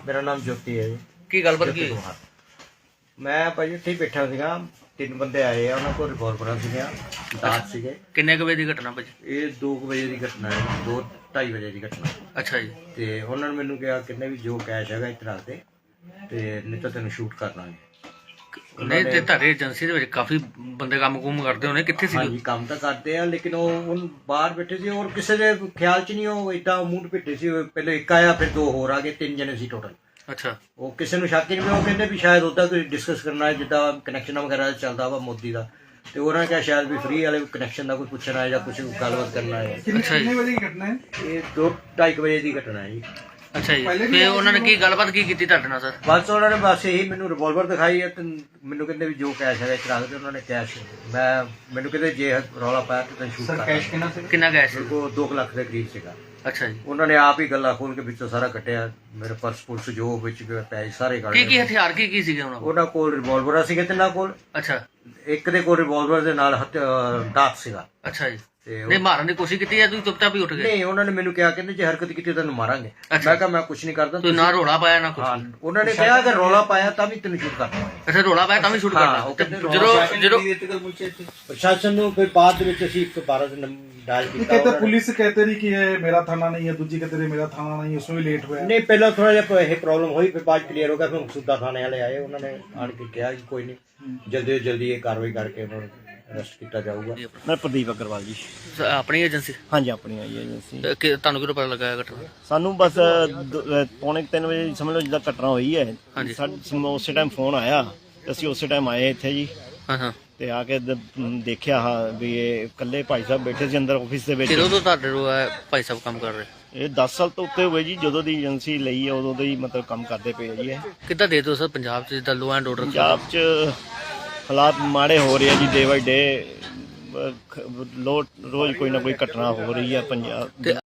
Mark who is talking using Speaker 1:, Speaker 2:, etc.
Speaker 1: ਮੇਰਾ ਨਾਮ ਜੋਤੀ ਹੈ ਜੀ।
Speaker 2: ਕੀ ਗੱਲਬਾਤ
Speaker 1: ਜੋਤੀ
Speaker 2: ਕੀ ਹੋਈ?
Speaker 1: ਕੁਮਾਰ। ਮੈਂ ਭਾਜੀ ਇੱਥੇ ਹੀ ਬੈਠਾ ਸੀਗਾ, 3 ਬੰਦੇ ਆਏ ਆ, ਉਹਨਾਂ ਕੋਲ ਰਿਵੋਲਵਰਾਂ ਸੀਗੀਆਂ, ਦਾਤ ਸੀਗੇ।
Speaker 2: ਕਿੰਨੇ ਕੁ ਵਜੇ ਦੀ ਘਟਨਾ ਭਾਜੀ?
Speaker 1: ਇਹ 2 ਵਜੇ ਦੀ ਘਟਨਾ ਹੈ, 2-2:30 ਵਜੇ ਦੀ ਘਟਨਾ।
Speaker 2: ਅੱਛਾ ਜੀ।
Speaker 1: ਤੇ ਉਹਨਾਂ ਨੇ ਮੈਨੂੰ ਕਿਹਾ ਕਿੰਨੇ ਵੀ ਜੋ ਕੈਸ਼ ਹੈਗਾ ਇੱਥੇ ਰੱਖ ਦੇ, ਤੇ ਨਹੀਂ ਤਾਂ ਤੈਨੂੰ ਸ਼ੂਟ ਕਰ ਲਾਂਗੇ।
Speaker 2: ਨਹੀਂ ਤੇ ਤੁਹਾਡੀ ਏਜੰਸੀ ਦੇ ਵਿੱਚ ਕਾਫੀ ਬੰਦੇ ਕੰਮ ਕਰਦੇ ਹੋਣੇ, ਕਿੱਥੇ ਸੀ?
Speaker 1: ਹਾਂਜੀ ਕੰਮ ਤਾਂ ਕਰਦੇ ਆ, ਲੇਕਿਨ ਉਹ ਬਾਹਰ ਬੈਠੇ ਸੀ, ਔਰ ਕਿਸੇ ਦੇ ਖਿਆਲ 'ਚ ਨਹੀਂ, ਉਹ ਏਦਾਂ ਮੂੰਹ ਪਿੱਟੇ ਸੀ। ਪਹਿਲੇ ਇੱਕ ਆਇਆ, ਫਿਰ 2 ਹੋਰ ਆ ਗਏ, 3 ਜਣੇ ਸੀ ਟੋਟਲ।
Speaker 2: ਅੱਛਾ।
Speaker 1: ਉਹ ਕਿਸੇ ਨੂੰ ਸ਼ੱਕ ਹੀ ਨਹੀਂ, ਉਹ ਕਹਿੰਦੇ ਵੀ ਸ਼ਾਇਦ ਉਹਦਾ ਕੋਈ ਡਿਸਕਸ ਕਰਨਾ ਹੈ, ਜਿੱਦਾਂ ਕਨੈਕਸ਼ਨ ਵਗੈਰਾ ਚੱਲਦਾ ਵਾ ਮੋਦੀ ਦਾ, ਤੇ ਉਹਨਾਂ ਨੇ ਕਿਹਾ ਸ਼ਾਇਦ ਵੀ ਫ੍ਰੀ ਵਾਲੇ ਕਨੈਕਸ਼ਨ ਦਾ ਕੋਈ ਪੁੱਛਣਾ ਹੈ ਜਾਂ ਕੁਝ ਗੱਲਬਾਤ ਕਰਨਾ ਹੈ।
Speaker 2: ਕਿੰਨੇ
Speaker 3: ਵਜੇ ਦੀ ਘਟਨਾ ਹੈ?
Speaker 1: ਇਹ 2-2:30 ਵਜੇ ਦੀ ਘਟਨਾ ਹੈ ਜੀ।
Speaker 2: ਅੱਛਾ ਜੀ। ਤੇ ਉਹਨਾਂ ਨੇ ਕੀ ਗੱਲਬਾਤ ਕੀ ਕੀਤੀ ਤੁਹਾਡੇ ਨਾਲ ਸਰ?
Speaker 1: ਬਸ ਉਹਨਾਂ ਨੇ ਬਸ ਇਹੀ ਮੈਨੂੰ ਰਿਵੋਲਵਰ ਦਿਖਾਈ ਹੈ, ਤੇ ਮੈਨੂੰ ਕਹਿੰਦੇ ਵੀ ਜੋ ਕੈਸ਼ ਹੈਗਾ ਇੱਥੇ ਰੱਖ ਦੇ। ਉਹਨਾਂ ਨੇ ਕੈਸ਼ ਮੈਨੂੰ ਕਹਿੰਦੇ ਜੇ ਰੌਲਾ ਪਾਇਆ ਤੇ ਤੈਨੂੰ ਸ਼ੂਟ ਕਰ
Speaker 3: ਕੈਸ਼ ਕਿੰਨਾ ਸੀ?
Speaker 2: ਕਿੰਨਾ ਗੈਸ?
Speaker 1: ਮੇਰੇ ਕੋਲ 2 ਲੱਖ ਦੇ ਕਰੀਬ ਸੀਗਾ।
Speaker 2: ਅੱਛਾ ਜੀ।
Speaker 1: ਉਹਨਾਂ ਨੇ ਆਪ ਹੀ ਗੱਲਾਂ ਖੋਲ ਕੇ ਵਿੱਚੋਂ ਸਾਰਾ ਕੱਟਿਆ, ਮੇਰੇ ਪਰਸ ਪੁਲਸ ਜੋ ਵਿੱਚ ਪੈਸੇ ਸਾਰੇ ਕੱਢ
Speaker 2: ਕੀ ਹਥਿਆਰ ਕੀ ਸੀਗੇ ਉਹਨਾਂ ਕੋਲ?
Speaker 1: ਉਹਨਾਂ ਕੋਲ ਰਿਵੋਲਵਰ ਸੀਗੇ 3 ਕੋਲ।
Speaker 2: ਅੱਛਾ।
Speaker 1: ਇੱਕ ਦੇ ਕੋਲ ਰਿਵੋਲਵਰ ਦੇ ਨਾਲ ਦਾਤ ਸੀਗਾ।
Speaker 2: ਅੱਛਾ ਜੀ।
Speaker 1: ਤੇ
Speaker 2: ਨਹੀਂ ਮਾਰਨ ਦੀ ਕੋਸ਼ਿਸ਼ ਕੀਤੀ ਜਾਂ ਤੁਸੀਂ ਚੁੱਪਚਾਪ ਹੀ ਉੱਠ ਗਏ?
Speaker 1: ਨਹੀਂ, ਉਹਨਾਂ ਨੇ ਮੈਨੂੰ ਕਿਹਾ ਕਹਿੰਦੇ ਜੇ ਹਰਕਤ ਕੀਤੀ ਤੈਨੂੰ ਮਾਰਾਂਗੇ। ਮੈਂ ਕਿਹਾ ਮੈਂ ਕੁਝ ਨਹੀਂ ਕਰਦਾ।
Speaker 2: ਤੁਸੀਂ ਨਾ ਰੋਲਾ ਪਾਇਆ ਨਾ ਕੁਝ?
Speaker 1: ਹਾਂ, ਉਹਨਾਂ ਨੇ ਕਿਹਾ ਕਿ ਰੌਲਾ ਪਾਇਆ ਤਾਂ ਵੀ ਤੈਨੂੰ ਸ਼ੂਟ ਕਰਨਾ।
Speaker 2: ਅੱਛਾ, ਰੋਲਾ ਪਾਇਆ ਤਾਂ ਵੀ ਸ਼ੂਟ
Speaker 1: ਹਾਂ,
Speaker 2: ਕਰਨਾ?
Speaker 1: ਉਹ ਕਹਿੰਦੇ
Speaker 2: ਜਦੋਂ
Speaker 1: ਪ੍ਰਸ਼ਾਸਨ ਨੂੰ ਫਿਰ ਬਾਅਦ ਦੇ ਵਿੱਚ ਅਸੀਂ 112 ਤੇ ਡਾਇਲ ਕੀਤਾ।
Speaker 3: कहते पुलिस कहते रही कि ये मेरा थाना नहीं है, दूजी कहते रही मेरा थाना नहीं है, उसमें भी लेट हुआ है।
Speaker 1: ਨਹੀਂ, ਪਹਿਲਾਂ ਥੋੜਾ ਜਿਹਾ ਇਹ ਪ੍ਰੋਬਲਮ ਹੋਈ, ਫਿਰ ਬਾਅਦ ਕਲੀਅਰ ਹੋ ਗਿਆ। ਫਿਰ ਮਕਸੂਦਾ ਥਾਣੇ ਵਾਲੇ ਆਏ, ਉਹਨਾਂ ਨੇ ਆਣ ਕੇ ਕਿਹਾ ਕਿ ਕੋਈ ਨਹੀਂ, ਜਲਦੀ ਤੋਂ ਜਲਦੀ ਇਹ ਕਾਰਵਾਈ ਕਰਕੇ ਉਹਨਾਂ ਨੂੰ ਅਰੈਸਟ ਕੀਤਾ ਜਾਊਗਾ।
Speaker 4: ਮੈਂ ਪ੍ਰਦੀਪ ਅਗਰਵਾਲ ਜੀ।
Speaker 2: ਆਪਣੀ ਏਜੰਸੀ?
Speaker 4: ਹਾਂਜੀ, ਆਪਣੀ ਆਈ ਏਜੰਸੀ।
Speaker 2: ਤੁਹਾਨੂੰ ਕਿਹੜਾ ਪਤਾ ਲੱਗਾ ਇਹ ਘਟਨਾ?
Speaker 4: ਸਾਨੂੰ ਬਸ 2:45 ਵਜੇ ਸਮਝ ਲਓ ਜਿੱਦਾਂ ਘਟਨਾ ਹੋਈ ਹੈ, ਸਾਨੂੰ ਉਸੇ ਟਾਈਮ ਫੋਨ ਆਇਆ ਤੇ ਅਸੀਂ ਉਸੇ ਟਾਈਮ ਆਏ ਇੱਥੇ ਜੀ।
Speaker 2: ਹਾਂ ਹਾਂ।
Speaker 4: ਤੇ ਆ ਕੇ ਦੇਖਿਆ ਵੀ ਇਹ ਇਕੱਲੇ ਭਾਈ ਸਾਹਿਬ ਬੈਠੇ ਸੀ ਅੰਦਰ ਆਫਿਸ ਦੇ ਵਿੱਚ।
Speaker 2: ਕਿਦੋਂ ਤੋਂ ਤੁਹਾਡੇ ਕੋਲ ਭਾਈ ਸਾਹਿਬ ਕੰਮ ਕਰ ਰਹੇ?
Speaker 4: ਇਹ 10 ਸਾਲ ਤੋਂ ਉੱਤੇ ਹੋਏ ਜੀ, ਜਦੋਂ ਦੀ ਏਜੰਸੀ ਲਈ ਹੈ ਉਦੋਂ ਦੇ ਹੀ ਮਤਲਬ ਕੰਮ ਕਰਦੇ ਪਏ ਆ ਜੀ। ਇਹ
Speaker 2: ਕਿੱਦਾਂ ਦੇ ਦਿਓ ਸਰ ਪੰਜਾਬ 'ਚ ਜਿੱਦਾਂ ਲੋ ਐਂਡ ਆਰਡਰ?
Speaker 4: ਪੰਜਾਬ 'ਚ ਹਾਲਾਤ ਮਾੜੇ ਹੋ ਰਹੇ ਆ ਜੀ, ਡੇ ਬਾਈ ਡੇ। ਰੋਜ਼ ਕੋਈ ਨਾ ਕੋਈ ਘਟਨਾ ਹੋ ਰਹੀ ਹੈ ਪੰਜਾਬ।
Speaker 2: ਤੇ